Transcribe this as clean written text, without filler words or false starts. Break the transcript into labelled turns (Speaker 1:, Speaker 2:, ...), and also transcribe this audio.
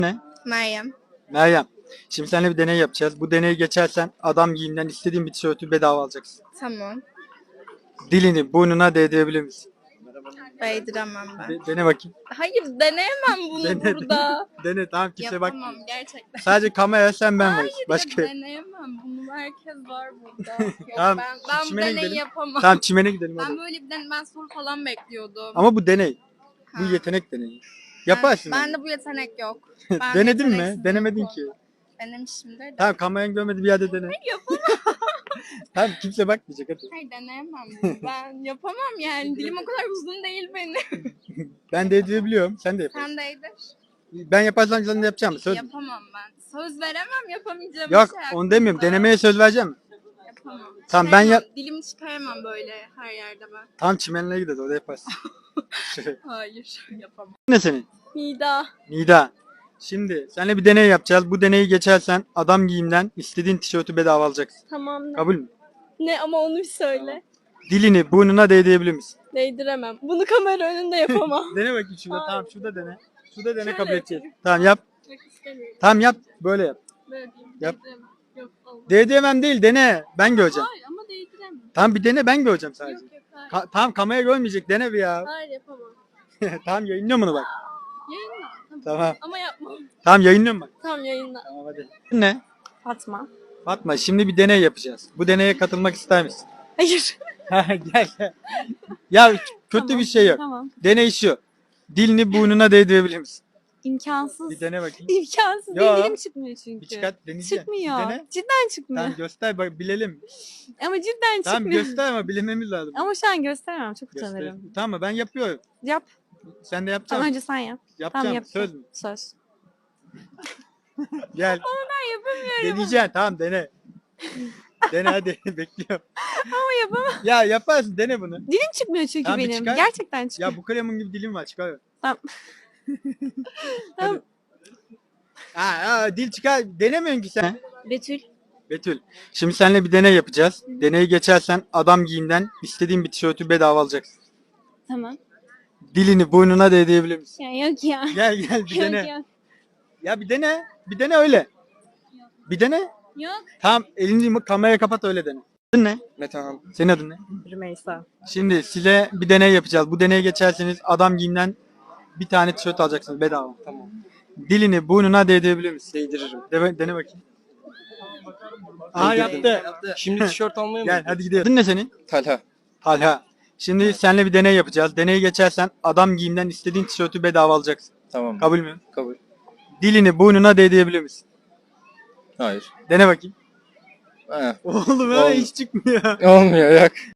Speaker 1: Ne?
Speaker 2: Meryem.
Speaker 1: Meryem. Şimdi seninle bir deney yapacağız. Bu deneyi geçersen adam giyimden istediğin bir tişörtü bedava alacaksın.
Speaker 2: Tamam.
Speaker 1: Dilini burnuna değdirebilir misin?
Speaker 2: Değdiremem ben.
Speaker 1: Dene bakayım.
Speaker 2: Hayır deneyemem bunu
Speaker 1: Dene,
Speaker 2: burada.
Speaker 1: Dene tamam kimse bak.
Speaker 2: Yapamam gerçekten.
Speaker 1: Sadece kamera sen ben varız.
Speaker 2: Hayır
Speaker 1: Başka.
Speaker 2: ya deneyemem bunu. Herkes var burada. Yok,
Speaker 1: Tamam,
Speaker 2: ben bu
Speaker 1: çimene
Speaker 2: deneyi
Speaker 1: gidelim.
Speaker 2: yapamam.
Speaker 1: Tamam çimene gidelim
Speaker 2: Ben
Speaker 1: hadi.
Speaker 2: böyle ben soru falan bekliyordum.
Speaker 1: Ama bu deney. Bu
Speaker 2: Ha.
Speaker 1: yetenek deneyi. Yaparsın.
Speaker 2: Ben de bu yetenek yok. Ben
Speaker 1: Denedin mi?
Speaker 2: yeteneksizim
Speaker 1: Denemedin
Speaker 2: bu
Speaker 1: ki.
Speaker 2: konuda. Denemişimdir de.
Speaker 1: Tamam kameranın görmediği bir yerde dene.
Speaker 2: Yapamam.
Speaker 1: Tamam kimse bakmayacak hadi.
Speaker 2: Hayır deneyemem bunu. Ben yapamam yani. Dilim o kadar uzun değil benim.
Speaker 1: Ben değdirebiliyorum. Sen de yaparsın.
Speaker 2: Sen değdir.
Speaker 1: Ben yaparsam sen de yapacağım. Söz mü?
Speaker 2: Yapamam ben. Söz veremem yapamayacağım
Speaker 1: Yok
Speaker 2: bir şey
Speaker 1: onu demiyorum.
Speaker 2: hakkında.
Speaker 1: Denemeye söz vereceğim mi?
Speaker 2: Yapamam.
Speaker 1: Tamam, ben
Speaker 2: Çıkaramam. Dilimi çıkaramam böyle her yerde ben.
Speaker 1: Tamam çimenliğe gideriz orada yaparsın.
Speaker 2: Hayır yapamam.
Speaker 1: Ne senin?
Speaker 2: Nida.
Speaker 1: Nida. Şimdi seninle bir deney yapacağız. Bu deneyi geçersen adam giyimden istediğin tişörtü bedava alacaksın.
Speaker 2: Tamam ne?
Speaker 1: Kabul mü?
Speaker 2: Ne ama onu bir söyle.
Speaker 1: Dilini burnuna değdirebilir misin?
Speaker 2: Değdiremem. Bunu kamera önünde yapamam.
Speaker 1: Dene bakayım şurada.
Speaker 2: Hayır.
Speaker 1: Tamam şurada dene. Şurada dene
Speaker 2: Şöyle
Speaker 1: kabul edeceğiz.
Speaker 2: yapayım.
Speaker 1: Tamam yap.
Speaker 2: Yok istemiyorum.
Speaker 1: Tamam yap. Böyle yap.
Speaker 2: Böyle diyeyim.
Speaker 1: Yap.
Speaker 2: Değdiremem. Yok olmaz.
Speaker 1: Değdiremem değil dene. Ben göreceğim.
Speaker 2: Hayır ama değdiremem.
Speaker 1: Tamam bir dene ben göreceğim sadece.
Speaker 2: Yok yok hayır.
Speaker 1: Tamam kamera görmeyecek dene bir ya.
Speaker 2: Hayır yapamam.
Speaker 1: Tamam yayınlıyorum bunu bak.
Speaker 2: Yayınla. Tamam.
Speaker 1: Tamam.
Speaker 2: Ama yapmam.
Speaker 1: Tamam yayınlıyorum bak.
Speaker 2: Tamam yayınla.
Speaker 1: Tamam hadi. Ne?
Speaker 2: Fatma.
Speaker 1: Fatma şimdi bir deney yapacağız. Bu deneye katılmak ister misin?
Speaker 2: Hayır.
Speaker 1: Gel gel. Ya kötü
Speaker 3: Tamam,
Speaker 1: bir şey yok.
Speaker 3: Tamam.
Speaker 1: Deney şu. Dilini burnuna değdirebilir misin?
Speaker 3: İmkansız.
Speaker 1: Bir dene bakayım.
Speaker 3: İmkansız.
Speaker 1: Yo.
Speaker 3: Benim dilim çıkmıyor çünkü.
Speaker 1: Bir çıkart deneyeceğim.
Speaker 3: Çıkmıyor.
Speaker 1: Bir dene.
Speaker 3: Cidden çıkmıyor.
Speaker 1: Tamam göster bak bilelim.
Speaker 3: Ama cidden
Speaker 1: Tamam
Speaker 3: çıkmıyor.
Speaker 1: göster ama bilememiz lazım.
Speaker 3: Ama şu an gösteremem. Çok
Speaker 1: Göster.
Speaker 3: utanırım.
Speaker 1: Tamam mı? Ben yapıyorum.
Speaker 3: Yap.
Speaker 1: Sen de
Speaker 3: Tamam
Speaker 1: yapacaksın.
Speaker 3: önce sen yap.
Speaker 1: Yapacağım.
Speaker 3: Tamam yap.
Speaker 1: Söz mü?
Speaker 3: Söz.
Speaker 1: Gel.
Speaker 3: Ben yapamıyorum.
Speaker 1: Deneyeceksin. Tamam dene. Dene hadi. Bekliyorum.
Speaker 3: Ama yapamam.
Speaker 1: Ya yaparsın. Dene bunu.
Speaker 3: Dilim çıkmıyor çünkü
Speaker 1: Tamam, bir
Speaker 3: benim.
Speaker 1: çıkar.
Speaker 3: Gerçekten çıkmıyor.
Speaker 1: Ya bu kalemin gibi dilim var. Çıkar.
Speaker 3: Tamam. Tamam.
Speaker 1: Dil çıkar. Denemiyorsun ki sen.
Speaker 3: Betül.
Speaker 1: Betül. Şimdi seninle bir deney yapacağız. Deneyi geçersen adam giyimden istediğin bir tişörtü bedava alacaksın.
Speaker 3: Tamam.
Speaker 1: Dilini burnuna değdirebilir misin?
Speaker 3: Ya yok ya.
Speaker 1: Gel gel bir
Speaker 3: Yok
Speaker 1: dene.
Speaker 3: ya.
Speaker 1: Ya bir dene. Bir dene öyle. Bir dene.
Speaker 3: Yok.
Speaker 1: Tamam elini kameraya kapat öyle dene. Adın ne?
Speaker 4: Metehan.
Speaker 1: Senin adın ne?
Speaker 3: Rümeysa.
Speaker 1: Şimdi size bir deney yapacağız. Bu deneye geçerseniz adam giyimden bir tane tişört alacaksınız bedava.
Speaker 4: Tamam.
Speaker 1: Dilini burnuna değdirebilir misin?
Speaker 4: Değdiririm.
Speaker 1: Dene bakayım. Aa yaptı.
Speaker 4: Şimdi tişört almaya mı?
Speaker 1: Gel hadi gidelim. Adın ne senin?
Speaker 4: Talha.
Speaker 1: Talha. Şimdi seninle bir deney yapacağız. Deneyi geçersen adam giyimden istediğin tişörtü bedava alacaksın.
Speaker 4: Tamam.
Speaker 1: Kabul mü?
Speaker 4: Kabul.
Speaker 1: Dilini burnuna değdirebilir misin?
Speaker 4: Hayır.
Speaker 1: Dene bakayım.
Speaker 4: He.
Speaker 1: Oğlum
Speaker 4: Oldu.
Speaker 1: hiç çıkmıyor.
Speaker 4: Olmuyor yok.